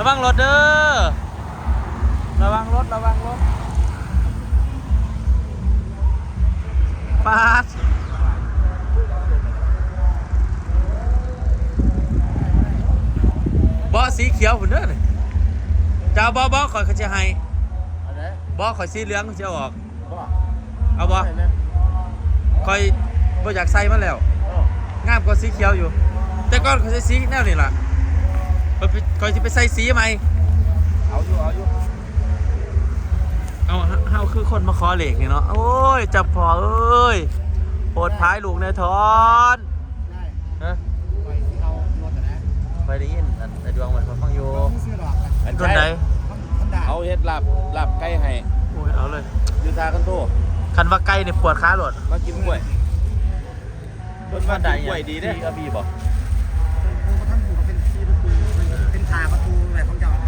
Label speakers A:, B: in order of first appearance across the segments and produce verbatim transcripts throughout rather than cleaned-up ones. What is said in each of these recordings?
A: วังรถเด้อระวังรถระวังรถปาดบอสีเขียวหุ่นเด้อเนี่ยเจ้าบอบอคอยเขาจะให้บอคอยสีเหลืองเขาจะออกเอาบอคอยบออยากใส่มาแล้วงามกว่าสีเขียวอยู่แต่ก่อนเขาใส่สีแนวนี่ล่ะคอยจะไปใส่สีไหมเอาอยู่เอาอยู่เอาเฮาคือคนมาขอเหล็กนี่เนาะโอ้ยจับพอเอ้ยโหดท้ายลูกในทอนฮะไปได้ยินไอ้ดวงมันฟังอยู่ต้นใด
B: เอาเฮ็ดลาบลาบไก่ให้
A: โอ้ยเอาเลย
B: ยูทากันโต
A: คันว่าไก่เนี่ยปวดขาหลด
B: มากินกล้วยต้นว่าได้กล้วยดีเด้อบีบอก
C: เป็นทาประตูแบบของเจ้า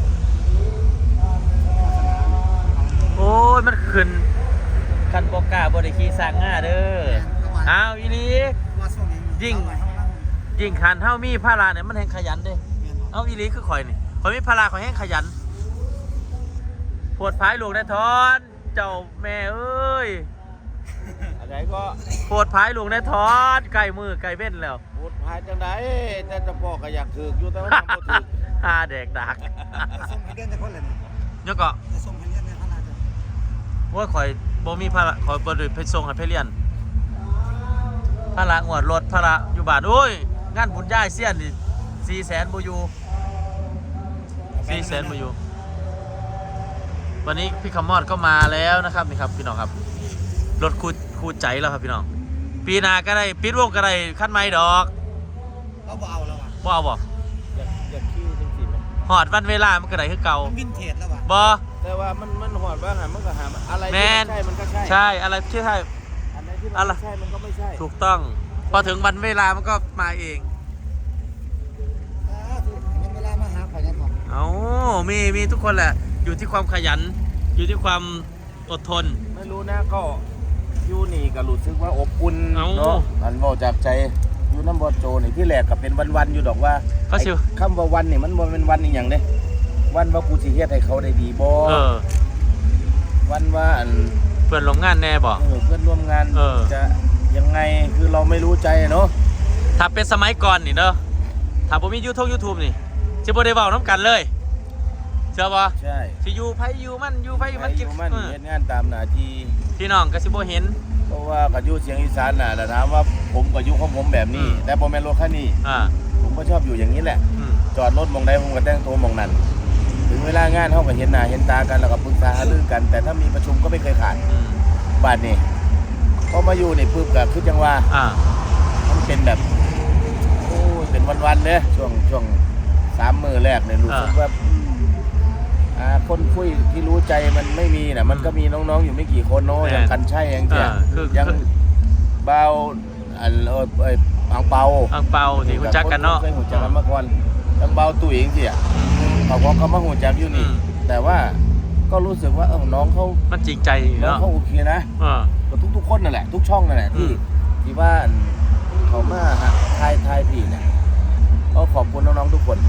A: โอ้ยมันขึ้นคันบอกกาบริคีสร้างง่าเด้ออ้าวอีลียิ่งยิ่งขันเท่ามีพาราเนี่ยมันแห่งขยันเด้เอาอีลีคือข่อยนี่ข่อยมีพาราข่อยแห่งขยันปวดพายลูกในทอนเจ้าแม่เอ้ย
B: อะไรก็
A: ปวดพายลูกในทอนไก่มือไก่เบ้นแล้ว
B: ปวดพายจังไดแต่จะพ่อก็อยากถืออยู่แต่ว่าบ่ถือ
A: ฮาเด็กดัก
C: ส่งให้เดือนจะคนเลย
A: เนี่ยก็
C: จะส่งให้เดือนในขนาดจะ
A: ว่าข่อยบ่มีพาราข่อยบ่ได้ไปส่งให้ไปเรียนพาระงวดรถพาระอยู่บ้านโอ้ยงานบุญย่ายเสี้ยนนี่สี่แสนบ่อยู่สี่แสนบ่อยู่วันนี้พี่คำมอดก็มาแล้วนะครับนี่ครับพี่น้องครับรถคู่คู่ใจแล้วครับพี่น้องปีหน้าก็ได้ปิดวงก็ได้ขั้นไม้ดอก
C: เราบ่เอาแล้วอ่ะ
A: บ่เอาบ่
B: อยากอยากขี้จริงๆไหม
A: หอดวันเวลามันก็ได้คือเก่า
C: วินเทจแล้วว่ะ
A: บ่
B: แต่ว่ามันมันหอดว่าหามันก็หาอะไรที่ใช่มันก็ใช่
A: ใช่อะไรที่ใช่
B: อะไรที่มันใช่มันก็ไม่ใช่
A: ถูกต้องพอถึงวันเวลามันก็มาเอง
C: เวลามาหาขอยันบอก
A: เอ้ามีมีทุกคนแหละอยู่ที่ความขยันอยู่ที่ความอดทน
B: ไม่รู้นะก็ยูนี่ก็รู้สึกว่าอบอุ่นเนาะมันบอกจากใจยูน้ำบอโจนี่ที่แรกก็เป็นวันๆอยู่ดอกว่าคำว่าวันนี่มันเป็นวันนี่อย่างเด้วันว่ากูสิเฮ็ดให้เขาได้ดีบ่วันว่าอัน
A: เพื่อนร่วมงานแน่บ่
B: เพื่อนร่วมงานจะยังไงคือเราไม่รู้ใจเนาะ
A: ถ้าเป็นสมัยก่อนนี่เนาะถ้าผมมียูทูบยูทูบนี่จะบ่ได้เว้าน้ำกันเลยเชื่อป่ะ
B: ใช่
A: สิอยู่ไผอยู่มันอยู่ไผมัน
B: กินมันเฮ็ดงานตามหน้าที่
A: พี่น้องก็สิบ่เห็น
B: เพราะว่าก็อยู่เสียงอีสานน่ะแต่ถามว่าผมก็อยู่ของผมแบบนี้แต่บ่แม่นรถคันนี้ผมก็ชอบอยู่อย่างนี้แหละจอดรถมองใดผมก็แต่งตัวมองนั้นถึงเวลางานเฮาก็เห็นหน้าเห็นตากันแล้วก็ปรึกษาหารือกันแต่ถ้ามีประชุมก็ไม่เคยขาดบัดนี้พอมาอยู่นี่ปึ๊บก็คือจังว่ามันเป็นแบบโอ้ยเป็นวันๆเด้ช่วงช่วงสามมื้อแรกเนี่ยรู้สึกว่าคนคุยที่รู้ใจมันไม่มีนะมันก็มีน้องๆอยู่ไม่กี่คนเนาะอย่างกันใช่ยังเจ้ายังเบาอันเออเอออังเปา
A: อังเปาที่หูจักกันเนาะ
B: เคยหูจักกันมาก่อนยังเบาตุ๋ยเองสิอ่ะเขาบอกเขามาหูจักอยู่นี่แต่ว่าก็รู้สึกว่าเออน้องเขา
A: มันจริงใจ
B: น้องเขาโอเคนะก็ทุกๆคนนั่นแหละทุกช่องนั่นแหละที่ที่ว่าเขามาฮะทายทายผีเนี่ยก็ขอบคุณน้องๆทุกคน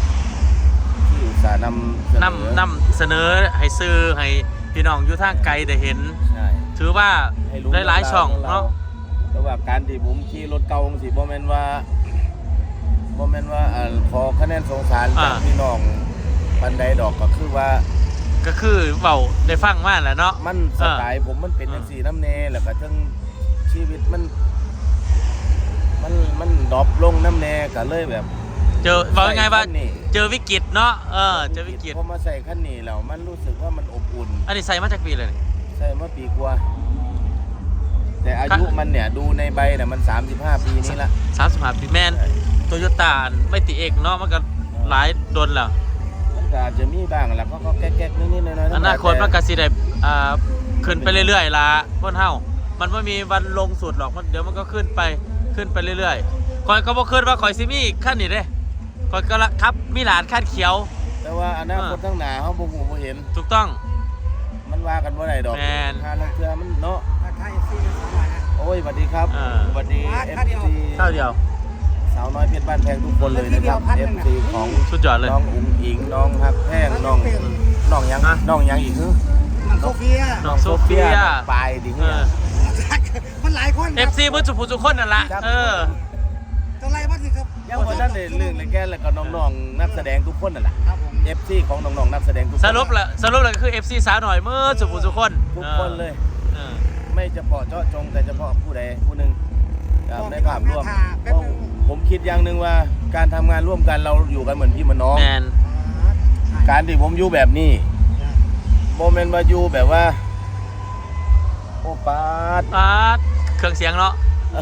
B: นำ
A: นำนำเสนอให้ซื้อให้พี่น้องอยู่ทางไกลได้เห็นถือว่าได้หลายช่องเนาะ
B: แต่ว่าการที่ผมขี่รถเก่าสิบ่แม่นว่าบ่แม่นว่าขอคะแนนสงสารจากพี่น้องปันใดดอกก็คือว่า
A: ก็คือเบาได้ฟังมาแหละเนาะ
B: มันสไตล์ผมมันเป็นอย่างสี่น้ำเนแล้วก็ทั้งชีวิตมันมันมันดรอปลงน้ำเนก็เลยแบบ
A: เจอบอกยังไงว่าเจอวิกฤตเนาะเออเจอวิกฤต
B: พอมาใส่ขั้นนี้แล้วมันรู้สึกว่ามันอบอุ่น
A: อันนี้ใส่มาจากปีเลย
B: ใส่มาปีกว่าแต่อายุมันเนี่ยดูในใบเนี่ยมันสามสิบห้าปีนี้ละ
A: สามสิบห้าปีแมนโตโยต้าไม่ติเอกเนาะมันก็หลายโดนแล้ว
B: มันก็อาจจะมีบ้างแหละก็แก๊กๆนิดๆหน่อยๆ
A: อนาคตมันก็สิได้อ่าขึ้นไปเรื่อยๆล่ะพ้นเฮามันไม่มีวันลงสุดหรอกมันเดี๋ยวมันก็ขึ้นไปขึ้นไปเรื่อยๆคอยก็บ่คิดว่าคอยซิมีขั้นนี้เด้คอยก็ละครับมีหลานคาดเขียว
B: แต่ว่าอนาคตทั้งหน้าเฮาบ่ฮู้บ่เห็น
A: ถูกต้อง
B: มันว่ากันบ่ได้ดอกหาลังเทื่อมันเนาะ
C: ถ้า เอฟ ซี มันสามารถนะ
B: โอ้ยสวัสดีครับสวัสดี เอฟ ซี
A: เท่าเดียว
C: ส
B: สาวน้อยเพชรบ้านแพงทุกคนเลยนะครับ เอฟ ซี ของ
A: สุดยอดเลย
B: น้องอุ๋งอิงน้องฮักแพงน้องน้องยัง
A: อ่ะ
B: น้องยังอีกคือ
C: น้องโซเฟีย
A: น้องโซเฟีย
B: น้องปลายดิ
A: เอ
B: เฮีย
A: อ
C: มันหลายคน
A: เอฟซีเพื่อสุภูสุคนนั่นละเออ
C: จะไล่บ้างสิครับ
B: ยังวันนั้นเลยเรื่องเลยแกแล้วก็น้องๆนักแสดงทุกคนนั่นแหละ
C: ครับผม
B: เอฟ ซี ของน้องๆนักแสดงทุกคน
A: สรุปละสรุปเลยคือ เอฟ ซี สาวหน่อยเมื่อสุภูสุคน
B: ทุกคนเลย
A: เออ
B: ไม่เฉพาะเจาะจงแต่เฉพาะผู้ใดผู้หนึ่งครับในภาพรวมเพราะผมคิดอย่างหนึ่งว่าการทำงานร่วมกันเราอยู่กันเหมือนพี่เหมือนน้อง
A: แมน
B: การที่ผมอยู่แบบนี้โมเมนต์มาอยู่แบบว่า โอ้ปาด
A: อาร์ตเครื่องเสียงเนาะ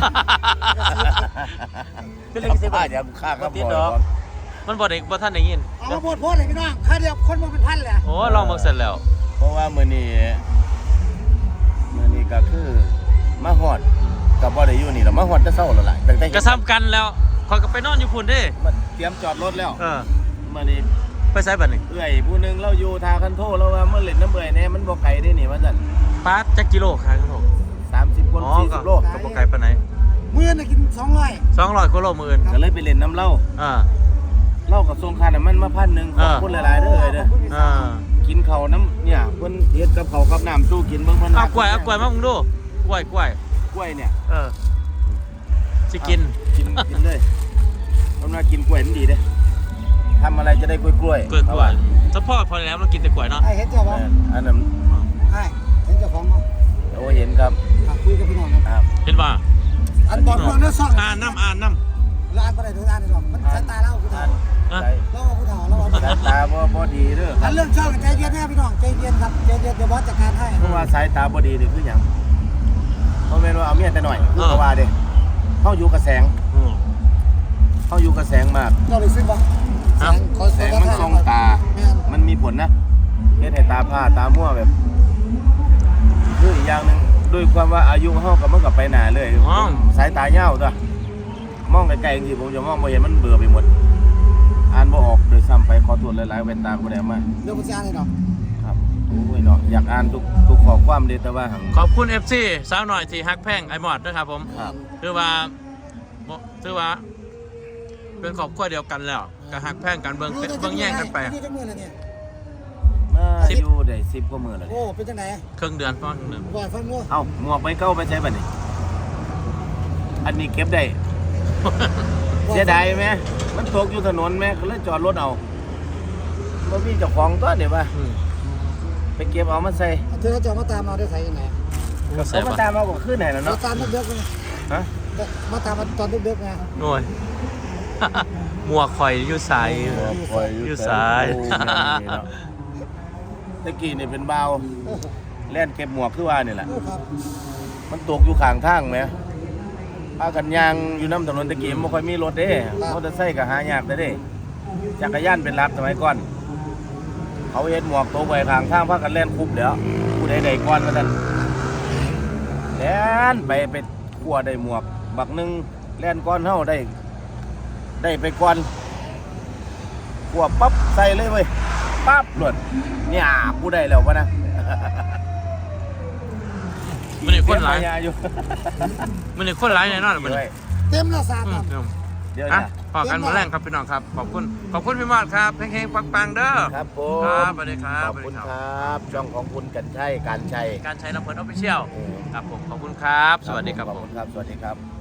B: เป็นเรื่องที่บ้าอย่าฆ่าครับ
A: ติด
B: บ่
A: ดอก
B: อย
A: มันบ่ได้บ่ท่านได้ยิน
C: เอามาโพดโพดเลยพี่น้องค่าเดียวคนมาเป็นพันเลย
A: โอ้ลองมาเสร็จแล้ว
B: เพราะว่ามื้อนี้มื้อนี้ก็คือมาฮอดกับบ่ได้อยู่นี่แล้วมาฮอดแต่เช้าแล้วล่ะตั้งแต่
A: กระซ้ำกันแล้วคอยก็ไปนอนอยู่พุ่นเด้
B: มาเตรียมจอดรถแล้ว
A: เออ
B: มื้อนี้
A: ไปไสบัดนี้
B: เอื้อยผู้หนึงเราอยู่ทาคันโทเราว่าเมื่อเล่นน้ำเบื่อยแน่มันบ่ไกลได้นี่ว่าซั่น
A: ปาดจักกิโลครับผม
B: สามสิบคน
A: อ๋อ
B: สี่
A: ก็
B: สิบโล
A: ก็บ่ไกลปานไหน
C: มื้อน่ะกินสองร้อย
A: สองร้อยกว่าโลมื้ออื่น
B: ก็เลยไปเล่นน้ำเหล้า
A: อ่า
B: เหล้ากับทรงค่าน้ำมันมาพันหนึงขอบคุณหลายๆเด้อเอ้ยเด้อ
A: อ่า
B: กินข้าวน้ำเนี่ยเพิ่นเฮ็ดกับข้าวกับน้ำสู้กินเบิ่งเพิ่น
A: เอากล้วยเอากล้วยมามึงดูกล้วยกล้วย
B: กล้วยเนี่ย
A: เออสิกิน
B: กินกินเลยมันว่ากินกล้วยมันดีเด้ทำอะไรจะได้กล้วยกล้วย
A: กล้วยกล้วยเฉพาะพอแล้วเรากินแต่กล้วยเนาะ
C: ไอ้เห็นเจ้าของ
B: อันนั้น
C: ไอ้เห็นเจ้าของเนาะ
B: โอ้เห็นครับ
C: อ่ะคุยกับพี่น้องครับ
B: ครับ
A: เห็นป่ะ
C: อันบอกเรื่องเนื้อซ่อง
A: อ่านน้ำอ่านน้
C: แล้วอ่านก็ได้ถึงอ่านได้หรอกมันสายตาเล่าผู้
B: อ่า
C: เฒ่าน
A: อ่ะ
B: ใจ
C: เล่าผู้เฒ่าเล่าผู้
B: สา
C: เฒ่าย
B: ตาบ่บ่ดีเด้อค
C: อั
B: รั
C: น
B: บ
C: เรื่องช่องใจเย็นแน่พี่น้องใจเย็นครับใจเย็นเดี๋ยวบอสจัดการให้
B: เพราะว่าสายตาบ่ดีนี่คือหยังบ่แม่นว่าเอาเมียแต่หน่อยคือเขาว่าเด้เฮาอยู่กับแสง
A: อืม
B: เฮาอยู่กับแสงมาก
C: เราเลยซื้อบ่แสงขอ
B: แสงมันส่องตา
C: แม่น
B: มันมีผลนะเฮ็ดให้ตาผ้าตามั่วแบบคืออีกอย่างหนึงด้วยความว่าอายุเฮากับมันก็ไปหน้าเลยสายตายาวตัวมองไกลๆจริงๆผมจะมองบ่เห็นมันเบื่อไปหมดอ่านบ่ออกโดยซ้ำไปขอโทษหลายๆแว่นตาบ่ได้เอามา
C: เรื่องมันจะอ่านให้ดอก
B: ครับโอ้ยเนาะอยากอ่านทุกทุกข้อความเลยแต่ว่าหัง
A: ขอบคุณ เอฟ ซี สาวหน่อยที่ฮักแพงไอหมอดด้วยครับผม
B: ครับ
A: คือว่าบ่คือว่า เป็นครอบครัวเดียวกันแล้วก็ฮักแพงกันเบิ่งเป็นเบิ่งแย่งกันไป
C: นี่จังมื้อแล้วเนี่ย
B: มาอยู่ได้สิบกว่ามื้อแล้ว
C: โอ้
B: เนี่ย
C: เป็นจังได๋
A: ครึ่งเดือนพ่อครึ่งเดือน
C: บ่ฟังงู
B: เอ้าหมวกไปเก่าไปใช้บัดนี้อันนี้เก็บได้ เสียดายไหมมันตกอยู่ถนนไหมก็เลยจอดรถเอาบ่มีเจ้าของตัวนี่ว่า
A: อืม
B: ไปเก็บเอามาใส่
C: เธอจะมาตามเราได้ไสยังไง
A: ก็ใส่
B: เขามา
A: ปะ
B: ตามเอาก็ขึ้นไหนแล้ว
C: เรา
B: เนาะ
C: ตามดึกๆไง
B: ฮะ
C: มาตามมาตอนดึกๆไง
A: โอ้ย หมวกข่อยอยู่ใส อยู่ซ้าย
B: โอ้แม่นนี่เนาะตะกี้นี่เป็นเบาวแล่นเก็บหมวกคือว่านี่แหละ
C: โอ้ครับ
B: มันตกอยู่ข้างทางไหมพากันยางอยู่น้ำถนนตะกี้มันบ่ค่อยมีรถเด้มอเตอร์ไซค์ก็หายากแต่เด้จักรยานเป็นหลักสมัยก่อน เขาเฮ็ดหมวกตกไว้ข้างทางพากันเล่นคุบเดี๋ยวผู้ใดได้ก่อนว่าซั่นแล่นไปไปขัวได้หมวก บักหนึงแล่นก่อนเฮาได้ ได้ไปก่อนขัวปั๊บใส่เลยเว้ยปั๊บหลุดเนี่ยผู้ใดแล้ววะนะ
A: มันนี่คนหลาย
B: เสีมอยู่
A: มันนี่คนหลายแน่นอนมัน
B: ด้วย
C: เต็มละสาม
A: อื
C: ค
A: ม
C: รับ
A: อืม
B: เดี๋ยว
A: อ่ะ
B: นะ
A: พอกันมาแรงครับพี่น้องครับ ขอบคุณ ขอบคุณพี่มอดครับเฮงๆปังๆเด้อ
B: ครับผม
A: ครับสวัสดีครับ
B: ขอบคุณ
A: สวัสดี
B: ค
A: ครั
B: รับช่องของคุณกันชัยการชัย
A: การใช้ลำเพลินออฟฟิเชียล
B: อืม
A: ครับผม ขอบคุณครับ สวัสดีครับ
B: ขอบ
A: ผ
B: คุ
A: ม
B: ณครับ สวัสดีครับ